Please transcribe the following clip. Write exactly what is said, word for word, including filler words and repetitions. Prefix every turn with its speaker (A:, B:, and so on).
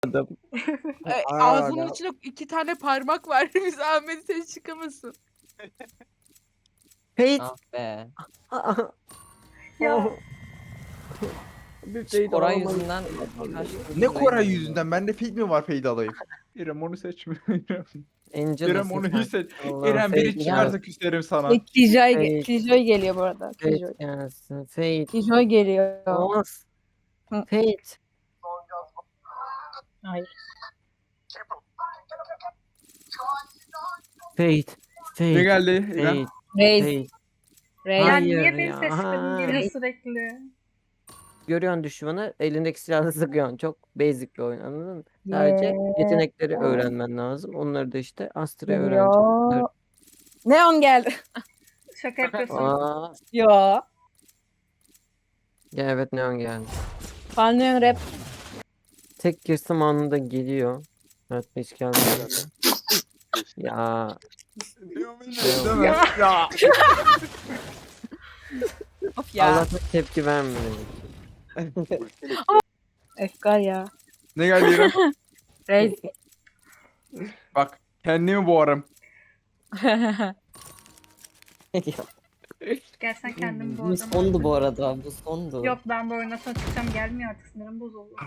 A: E, ağzının içinde iki tane parmak var. Biz Ahmet sen çıkamasın.
B: Fate.
C: Ah be.
D: Ya.
B: Bir
C: Hiç
B: Fate
C: Koray
B: alamayız.
C: yüzünden kaç
E: Ne
C: tur
E: Koray
C: Raiden
E: yüzünden? Bende feed mi var feed alayım? İrem onu seçmiyorum.
B: Angel
E: İrem onu hiç seç.
B: Allah,
E: İrem biri
B: Fate
E: çıkarsa küserim sana.
D: Ve Killjoy,
B: Fate.
D: ge- Killjoy geliyor bu arada.
B: Fate
D: Killjoy.
B: gelsin. Fate.
D: Killjoy geliyor.
B: Olmaz.
D: Hı.
B: Fate.
D: Hayır.
B: Fate. Fate.
E: Ne geldi İrem?
B: Fate.
D: Reis.
B: Fate.
D: Reis.
F: Ya
B: Hayır
F: niye beni
B: ya.
F: seçmedin geliyor
B: Hayır.
F: sürekli.
B: Görüyorsun düşmanı, elindeki silahla sıkıyorsun. Çok basic bir oyun, anladın mı? Sadece yetenekleri öğrenmen lazım. Onları da işte Astra'ya öğreneceksin.
D: Geliyor. Neon geldi.
F: Şaka yapıyorsun.
B: Aa,
D: Yo.
B: ya evet Neon geldi.
D: Fan Neon rap.
B: Tek girsem anında geliyor. Evet hiç gelmedi. Ya
E: Değil mi? Ya.
D: Of ya.
B: Allah'tan tepki vermedi.
D: Efkar ya.
E: Ne geldi İrem?
D: Reis.
E: Bak kendimi boğarım.
F: Gel sen kendin bu
C: Bu
F: adamı.
C: sondu bu arada. Bu sondu.
F: Yok ben bu oyundan sonra çıkacağım gelmiyor artık sinirim bozuldu.